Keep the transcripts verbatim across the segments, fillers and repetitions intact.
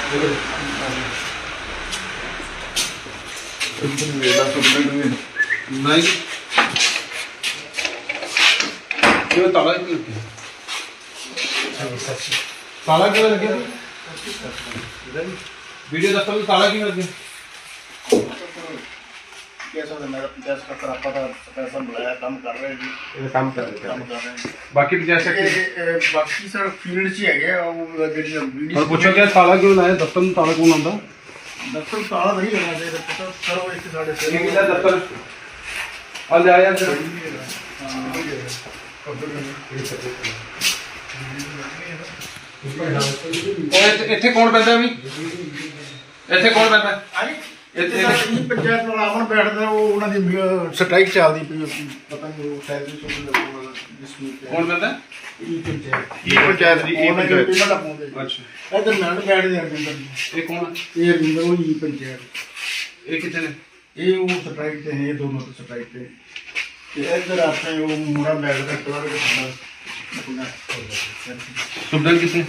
नहीं क्यों ताला क्यों ताला क्यों लगे वीडियो दफ्तर में ताला क्यों लगे काम कर रहे जी काम कर रहे काम कर रहे हैं बाकी जैसे बाकी सर फील्ड च ही है और पूछो क्या ताला क्यों लाया दफ्तर में ताला कौन आंदा दफ्तर ताला नहीं लगा चाहिए पता सर वो एक साढ़े ये किधर दफ्तर आ जा यार ਇੱਥੇ ਕੌਣ ਬੈਠਦਾ ਵੀ ਇੱਥੇ ਕੌਣ ਬੈਠਦਾ ਇੱਥੇ ਇਹ ਪੰਚਾਇਤ ਨਾਲ ਆਵਣ ਬੈਠਦਾ ਉਹ ਉਹਨਾਂ ਦੀ ਸਟ੍ਰਾਈਕ ਚੱਲਦੀ ਪਈ ਪਤਾ ਨਹੀਂ ਉਹ ਸੈਲਰੀ ਸੁਣ ਡਿਸਪਿਊਟ ਕੌਣ ਬੈਠਦਾ ਇਹ ਪੰਚਾਇਤ ਇਹ ਪੰਚਾਇਤ ਦੀ ਇਹ ਪੰਚਾਇਤ ਅੱਛਾ ਇਧਰ ਮੈਂ ਬੈਠਦੇ ਹਰਜਿੰਦਰ ਇਹ ਕੌਣ ਇਹ ਹਰਜਿੰਦਰ ਉਹ ਹੀ ਪੰਚਾਇਤ ਇਹ ਕਿੱਥੇ ਨੇ ਇਹ ਉਹ ਸਟ੍ਰਾਈਕ ਤੇ ਹੈ ਇਹ ਦੋਨੋਂ ਤੇ ਸਟ੍ਰਾਈਕ ਤੇ ਤੇ ਇਧਰ ਆਪਣੇ ਉਹ ਮੁੰਡਾ ਬੈਠਦਾ ਕਲਰ ਦੇ ਨਾਲ ਸੁਬਦਨ ਕਿਸਨੇ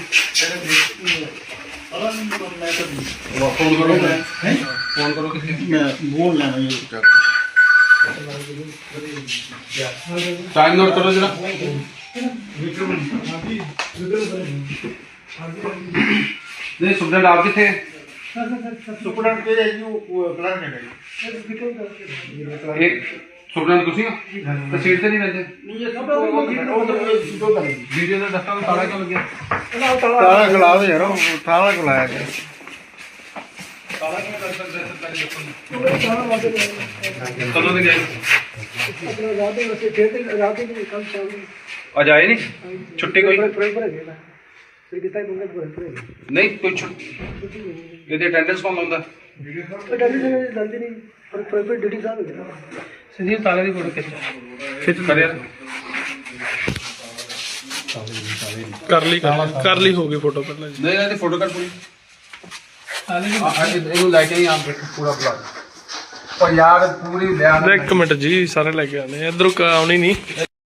फोन करो फोन करो किसी बोल लेना ये टाइम नोट करो जरा नहीं सुबदन आप किथे सुपरडेंट के है जी वो कलर है एक सुबदन कुछ तो सीट से नहीं रहते वीडियो का दफ्तर में ताला क्यों लग गया ताला खिला दो यार ताला खिलाया गया कदों से गए आज आए नहीं छुट्टी कोई नहीं कोई छुट्टी ये अटेंडेंस कौन लाता संजीव ताले की फोटो खिंच खिंच कर यार कर ली कर ली होगी फोटो पहले नहीं नहीं फोटो कर पूरी ਇਹਨੂੰ ਲੈ ਕੇ ਆਪ ਪੂਰਾ ਬੁਲਾ ਉਹ ਯਾਰ ਪੂਰੀ ਲਿਆ ਇੱਕ ਮਿੰਟ ਜੀ ਸਾਰੇ ਲੈ ਕੇ ਆਨੇ ਇਧਰੋਂ ਆਉਣੀ ਨਹੀਂ